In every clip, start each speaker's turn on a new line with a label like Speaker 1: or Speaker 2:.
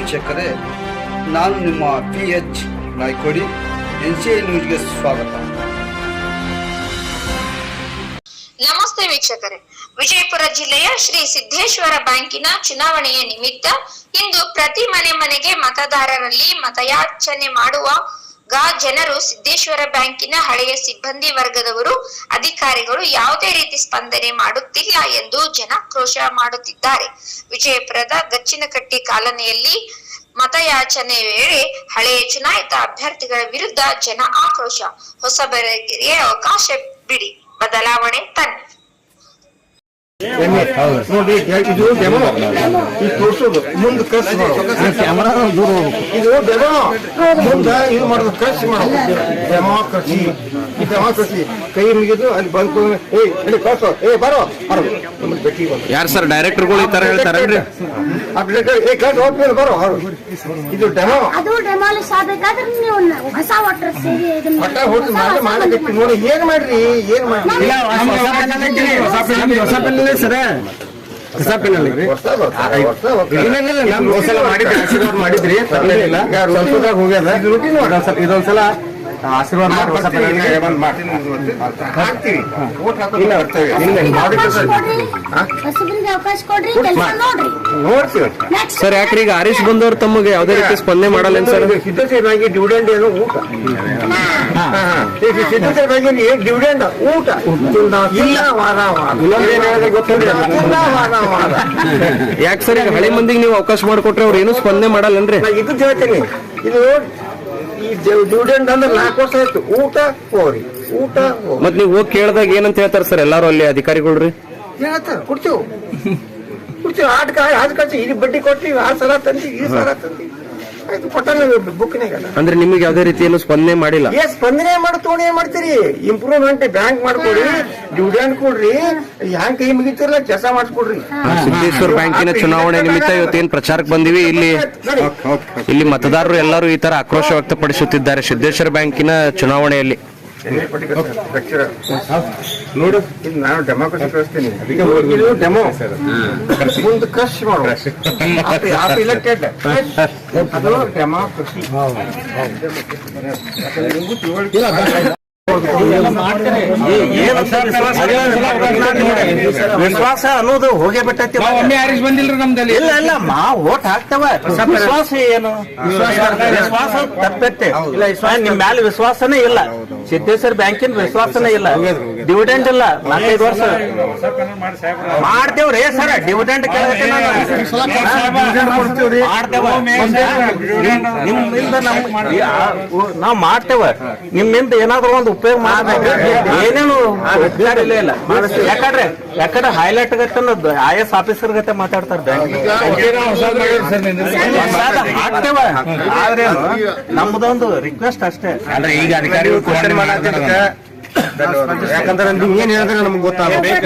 Speaker 1: ವೀಕ್ಷಕರೇ, ನಾನು ನಿಮ್ಮ PH ನಾಯ್ಕೋಡಿ, NCI ನ್ಯೂಸ್ಗೆ ಸ್ವಾಗತ.
Speaker 2: ನಮಸ್ತೆ ವೀಕ್ಷಕರೇ, ವಿಜಯಪುರ ಜಿಲ್ಲೆಯ ಶ್ರೀ ಸಿದ್ದೇಶ್ವರ ಬ್ಯಾಂಕಿನ ಚುನಾವಣೆಯ ನಿಮಿತ್ತ ಇಂದು ಪ್ರತಿ ಮನೆಗೆ ಮತದಾರರಲ್ಲಿ ಮತಯಾಚನೆ ಮಾಡುವಾಗ ಜನರು ಸಿದ್ದೇಶ್ವರ ಬ್ಯಾಂಕಿನ ಹಳೆಯ ಸಿಬ್ಬಂದಿ ವರ್ಗದವರು, ಅಧಿಕಾರಿಗಳು ಯಾವುದೇ ರೀತಿ ಸ್ಪಂದನೆ ಮಾಡುತ್ತಿಲ್ಲ ಎಂದು ಜನಾಕ್ರೋಶ ಮಾಡುತ್ತಿದ್ದಾರೆ. ವಿಜಯಪುರದ ಗಚ್ಚಿನಕಟ್ಟಿ ಕಾಲೋನಿಯಲ್ಲಿ ಮತಯಾಚನೆ ವೇಳೆ ಹಳೆಯ ಚುನಾಯಿತ ಅಭ್ಯರ್ಥಿಗಳ ವಿರುದ್ಧ ಜನ ಆಕ್ರೋಶ. ಹೊಸಬರಿಗೆ ಅವಕಾಶ ಬಿಡಿ, ಬದಲಾವಣೆ ತನ್ನಿ.
Speaker 3: ನೋಡಿ, ಇದು ಡೆಮೋ ಇದು ತೋರ್ಸೋದು, ಮುಂದೆ ಖರ್ಚು ಮಾಡೋದು, ಕ್ಯಾಮರಾ ದೂರ ಹೋಗ್ಬೇಕು. ಇದು ಡೆಮೋ ಮುಂದೆ ಇದು ಮಾಡೋದು, ಖರ್ಚು ಮಾಡೋದು, ಡೆಮೋಕ್ರಸಿ. ಈ ಡೆಮೋಕ್ರಸಿ ಕೈ ಮುಗಿದು ಅಲ್ಲಿ ಬಂದು ಹೇಳಿ ಕಳ್ಸೋ, ಬರೋ ಭೇಟಿ.
Speaker 4: ಯಾರು ಸರ್ ಡೈರೆಕ್ಟರ್ಗಳು ಈ ತರ ಹೇಳ್ತಾರಲ್ರಿ?
Speaker 3: ಬರೋ, ಇದು ಡೆಮೋ.
Speaker 5: ಅದು ಡೆಮಾಲಿಶ್ ಆಗಬೇಕಾದ್ರೆ ನೀವು ಹೊಸ ವಾಟರ್
Speaker 3: ಒಟ್ಟ ಹೋಗಿ ಮಾಡಬೇಕು. ನೋಡಿ ಏನ್ ಮಾಡ್ರಿ, ಏನ್ ಮಾಡ್ರಿ,
Speaker 4: ಸರ ಹೊಸ ಪೆನ್ನಲ್ಲಿ ಮಾಡಿದ್ರಿ, ಹೋಗ್ಯದ. ಇದೊಂದ್ಸಲ ಆಶೀರ್ವಾದ ಮಾಡಿ ಹೊಸ
Speaker 5: ಅವಕಾಶ ಕೊಡ್ರಿ, ಕೆಲಸ ನೋಡ್ರಿ.
Speaker 3: ನೋಡ್ತೀವಿ
Speaker 4: ಸರ್. ಯಾಕ್ರಿ ಈಗ ಹರೀಶ್ ಬಂದವ್ರು ತಮಗೆ ಯಾವುದೇ ರೀತಿ ಸ್ಪಂದನೆ ಮಾಡಲ್ಲ ಸರ್?
Speaker 3: ಸಿದ್ಧಸೇನಾಗಿ ಡಿವಿಡೆಂಡ್ ಏನು ಊಟ, ಸಿದ್ಧಸೇನಾಗಿ ಡಿವಿಡೆಂಡ್ ಊಟ ಇಲ್ಲ, ವಾರ
Speaker 4: ಯಾಕೆ ಸರ್ ಈಗ ಹಳೆ ಮಂದಿಗೆ ನೀವು ಅವಕಾಶ ಮಾಡಿಕೊಟ್ರೆ ಅವ್ರು ಏನು ಸ್ಪಂದನೆ ಮಾಡಲ್ಲನ್ರಿ?
Speaker 3: ಇದು ಹೇಳ್ತೀನಿ, ಇದು ಈ ಡಿವಿಡೆಂಡ್ ಅಂದ್ರೆ 4 ವರ್ಷ ಆಯ್ತು. ಊಟ ಹೋರಿ, ಊಟ
Speaker 4: ಮತ್ ನೀವು ಹೋಗಿ ಕೇಳಿದಾಗ ಏನಂತ ಹೇಳ್ತಾರ ಸರ್ ಎಲ್ಲಾರು ಅಲ್ಲಿ ಅಧಿಕಾರಿಗಳ್ರಿ?
Speaker 3: ಹೇಳ್ತಾರ ಕೊಡ್ತೀವಿ ಆಟ ಕಳ್ಸಿ, ಇದು ಬಡ್ಡಿ ಕೊಟ್ಟಿ, ಆ ಸಲ ತಂದಿ, ಈ ಸಲ ತಂದಿ, ಆಯ್ತು ಕೊಟ್ಟಾನ ಬುಕ್ನಾಗ.
Speaker 4: ಅಂದ್ರೆ ನಿಮಗೆ ಯಾವುದೇ ರೀತಿ ಏನು ಸ್ಪಂದನೆ ಮಾಡಿಲ್ಲ?
Speaker 3: ಸ್ಪಂದನೆ ಮಾಡ್ತೋಣ, ಏನ್ ಮಾಡ್ತೀರಿ? ಇಂಪ್ರೂವ್ಮೆಂಟ್ ಬ್ಯಾಂಕ್ ಮಾಡ್ಕೊಡ್ರಿ, ಡಿವಿಡೆಂಡ್ ಕೊಡ್ರಿ, ಹ್ಯಾಂಗ್ ಕೈ ಮುಗಿತಿರಲ್ಲ ಕೆಲಸ ಮಾಡಿಸ್ಕೊಡ್ರಿ.
Speaker 4: ಸಿದ್ದೇಶ್ವರ ಬ್ಯಾಂಕಿನ ಚುನಾವಣೆ ನಿಮಿತ್ತ ಇವತ್ತೇನ್ ಪ್ರಚಾರಕ್ಕೆ ಬಂದಿವಿ. ಇಲ್ಲಿ ಮತದಾರರು ಎಲ್ಲರೂ ಈ ತರ ಆಕ್ರೋಶ ವ್ಯಕ್ತಪಡಿಸುತ್ತಿದ್ದಾರೆ ಸಿದ್ದೇಶ್ವರ ಬ್ಯಾಂಕಿನ ಚುನಾವಣೆಯಲ್ಲಿ.
Speaker 3: ನೋಡು, ಇದು ನಾನು ಡೆಮೋಕ್ರಸಿ ಕಳಿಸ್ತೀನಿ. ಇದು ಡೆಮೋ ಮುಂದೆ ಖರ್ಚು ಮಾಡೋ ಇಲೆಕ್ಟೆಡ್, ಅದು ಡೆಮೋಕ್ರಸಿ. ವಿಶ್ವಾಸ ಅನ್ನೋದು ಹೋಗೇ ಬಿಟ್ಟೈತಿ.
Speaker 6: ಬಂದಿಲ್ರಿ ನಮ್ದಲ್ಲಿ.
Speaker 3: ಇಲ್ಲ ಇಲ್ಲ, ಓಟ್ ಹಾಕ್ತವ. ವಿಶ್ವಾಸ ಏನು? ವಿಶ್ವಾಸ ತಪ್ಪತ್ತೆ. ನಿಮ್ ಮ್ಯಾಲ ವಿಶ್ವಾಸನೇ ಇಲ್ಲ. ಸಿದ್ದೇಶ್ವರ ಬ್ಯಾಂಕಿನ ವಿಶ್ವಾಸನೇ ಇಲ್ಲ. ಡಿವಿಡೆಂಡ್ ಇಲ್ಲ, 4-5 ವರ್ಷ ಮಾಡ್ತೇವ್ರಿ ಸರ್. ಡಿವಿಡೆಂಡ್ ನಿಮ್ಮಿಂದ ನಾವ್ ಮಾಡ್ತೇವ. ನಿಮ್ಮಿಂದ ಏನಾದ್ರು ಒಂದು ಉಪಯೋಗ ಮಾಡ್ಬೇಕು. ಏನೇನು ಇಲ್ಲ. ಯಾಕಂದ್ರೆ ಹೈಲೈಟ್ ಗತ್ತೆ IS ಆಫೀಸರ್ ಗತ್ತೆ ಮಾತಾಡ್ತಾರೆ ಬ್ಯಾಂಕ್. ಹಾಕ್ತೇವ, ಆದ್ರೆ ನಮ್ದೊಂದು ರಿಕ್ವೆಸ್ಟ್ ಅಷ್ಟೇ.
Speaker 6: ಅಂದ್ರೆ ಈಗ ಅಧಿಕಾರಿಗಳು ಕ್ವಶನ್
Speaker 3: ಯಾಕಂದ್ರೆ ನೀವು ಏನ್ ಹೇಳಿದ್ರೆ ನಮ್ಗೆ ಗೊತ್ತಾಗಬೇಕು.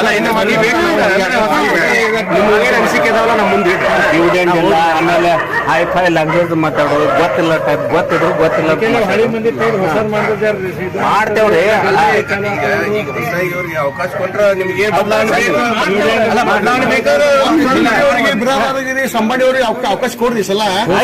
Speaker 4: ಅನಿಸಿಕೆ ಇದಾವಲ್ಲ ನಮ್ಮ ಮುಂದೆ.
Speaker 3: ಡಿವಿಡೆಂಡ್ ಇಲ್ಲ, ಆಮೇಲೆ ಹೈಫೈ ಲ್ಯಾಂಗ್ವೇಜ್ ಮಾತಾಡೋದು, ಗೊತ್ತಿಲ್ಲ ಟೈಪ್, ಗೊತ್ತಿದ್ರು ಗೊತ್ತಿಲ್ಲ ಮಾಡ್ತೇವ್ರಿ.
Speaker 6: ಅವಕಾಶ ಕೊಟ್ರೆ ನಿಮ್ಗೆ ಸಂಬಂಧಿ ಅವ್ರಿಗೆ ಅವಕಾಶ ಕೊಡ್ರಿ ಸಲ.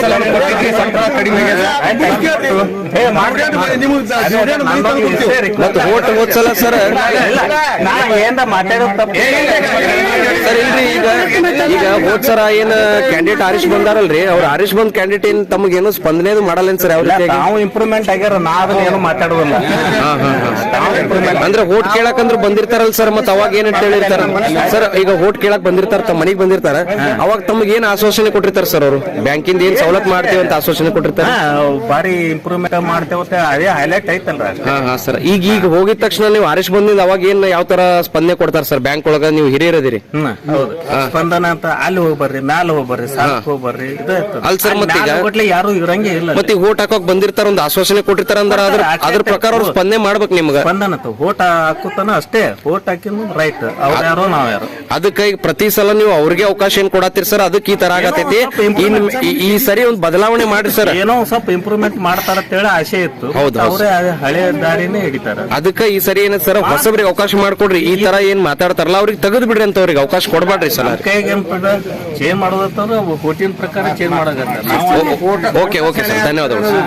Speaker 4: ಮತ್ತೆ ಓಟ್ ಓದ್ಸಲ ಸರ್
Speaker 3: ಏನ್ ಮಾತಾಡೋದು
Speaker 4: ಸರ್ ಇಲ್ರಿ. ಈಗ ಹೋದ್ ಸರ ಏನ್ ಕ್ಯಾಂಡಿಡೇಟ್ ಹರೀಶ್ ಬಂದಾರಲ್ರಿ, ಅವ್ರು ಹರೀಶ್ ಬಂದ್ ಕ್ಯಾಂಡಿಡೇಟ್ ಏನ್ ತಮಗೇನು ಸ್ಪಂದನೆ ಮಾಡಲ್ಲ ಸರ್?
Speaker 3: ನಾವು ಇಂಪ್ರೂವ್ಮೆಂಟ್ ಆಗ್ಯಾರ, ನಾವ್ ಏನು ಮಾತಾಡೋದಿಲ್ಲ.
Speaker 4: ಅಂದ್ರೆ ಓಟ್ ಕೇಳಕಂದ್ರೆ ಬಂದಿರ್ತಾರಲ್ಲ ಸರ್, ಮತ್ ಅವಾಗ ಏನಂತ ಹೇಳಿರ್ತಾರ ಸರ್? ಈಗ ಓಟ್ ಕೇಳಕ್ ಬಂದಿರ್ತಾರ, ತಮ್ಮ ಮನೆಗ್ ಬಂದಿರ್ತಾರ, ಅವಾಗ ತಮಗೆ ಏನ್ ಆಶ್ವಾಸನೆ ಕೊಟ್ಟಿರ್ತಾರ ಸರ್ ಅವರು? ಬ್ಯಾಂಕಿಂದ ಏನ್ ಸವಲತ್ತು ಮಾಡ್ತೇವೆ ಅಂತ ಆಶ್ವಾಸನೆ ಕೊಟ್ಟಿರ್ತಾರ?
Speaker 3: ಬಾರಿ ಇಂಪ್ರೂವ್ಮೆಂಟ್ ಮಾಡ್ತೇವೆ, ಅದೇ ಹೈಲೈಟ್ ಐತಲ್ರ.
Speaker 4: ಹಾ ಸರ್. ಈಗ ಹೋಗಿದ ತಕ್ಷಣ ನೀವು ಹರೀಶ್ ಬಂದಿಂದ ಅವಾಗ ಏನ್ ಯಾವ ತರ ಸ್ಪಂದನೆ ಕೊಡ್ತಾರ ಸರ್ ಬ್ಯಾಂಕ್ ಒಳಗ? ನೀವು ಹಿರಿಯರದಿರಿ.
Speaker 3: ಹೌದು, ಸ್ಪಂದನ ಅಂತ ಅಲ್ಲಿ ಹೋಗ್ಬರ್ರಿ, ಮ್ಯಾಲ ಹೋಗ್ಬರ್ರಿ, ಸಾಕ್ ಹೋಗ್ಬರ್ರಿ.
Speaker 4: ಅಲ್ ಸರ್ ಮತ್ತೆ
Speaker 3: ಯಾರು ಇರಂಗೆ ಇಲ್ಲ.
Speaker 4: ಮತ್ತೆ ಓಟ್ ಹಾಕೋಕ್ ಬಂದಿರ್ತಾರ, ಒಂದು ಆಶ್ವಾಸನೆ ಕೊಟ್ಟಿರ್ತಾರ ಅಂದ್ರೆ ಅದ್ರ ಪ್ರಕಾರ ಅವ್ರು ಸ್ಪಂದನೆ ಮಾಡ್ಬೇಕು ನಿಮ್ಗ.
Speaker 3: ಸ್ಪಂದನ
Speaker 7: ಆಯ್ತು ಓಟ್ ಹಾಕುತ್ತಾನ ಅಷ್ಟೇ ಓಟ್ ಹಾಕಿದ್ ರೈಟ್ ಅವ್ರ ಯಾರೋ ನಾವ್ ಯಾರು
Speaker 4: ಅದಕ್ಕೆ ಈಗ ಪ್ರತಿ ಸಲ ನೀವು ಅವ್ರಿಗೆ ಅವಕಾಶ ಏನ್ ಕೊಡತ್ತೀರಿ ಸರ್, ಅದಕ್ಕೆ ಈ ತರ ಆಗತೈತಿ. ಈ ಸರಿ ಒಂದು ಬದಲಾವಣೆ ಮಾಡ್ರಿ ಸರ್.
Speaker 7: ಏನೋ ಸ್ವಲ್ಪ ಇಂಪ್ರೂವ್ಮೆಂಟ್ ಮಾಡ್ತಾರ ಅಂತೇಳಿ ಆಸೆ ಇತ್ತು.
Speaker 4: ಹೌದು.
Speaker 7: ಅವರೇ ಹಳೆ ದಾರಿನೇ ಹಿಡಿತಾರ.
Speaker 4: ಅದಕ್ಕೆ ಈ ಸರಿ ಏನ ಸರ್ ಹೊಸಬ್ರಿಗೆ ಅವಕಾಶ ಮಾಡ್ಕೊಡ್ರಿ. ಈ ತರ ಏನ್ ಮಾತಾಡ್ತಾರಲ್ಲ ಅವ್ರಿಗೆ ತೆಗೆದು ಬಿಡ್ರಿ ಅಂತ ಅವ್ರಿಗೆ ಅವಕಾಶ ಕೊಡ್ಬೇಡ್ರಿ ಸರ್.
Speaker 7: ಕೈಗೆ ಚೇಂಜ್ ಮಾಡೋದಂತಂದ್ರೆ ಓಟಿನ ಪ್ರಕಾರ ಚೇಂಜ್ ಮಾಡೋದಂತ.
Speaker 4: ಓಕೆ ಓಕೆ ಸರ್, ಧನ್ಯವಾದಗಳು ಸರ್.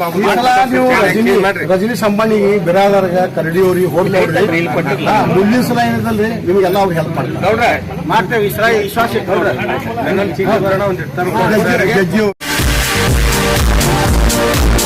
Speaker 3: ರಜನಿ ಸಂಬಂಧಿ ಬಿರಾದರ್ಗ ಕರಡಿಯವ್ರಿಗೆ ಹೋಗ್ಲಿ ಮುಂದಿನ ಸಲ ಏನಿದಲ್ರಿ ನಿಮ್ಗೆಲ್ಲ ಅವ್ರಿಗೆ ಹೆಲ್ಪ್ ಮಾಡ್ತೇವೆ. ವಿಶ್ವಾಸ ಇಟ್ಟು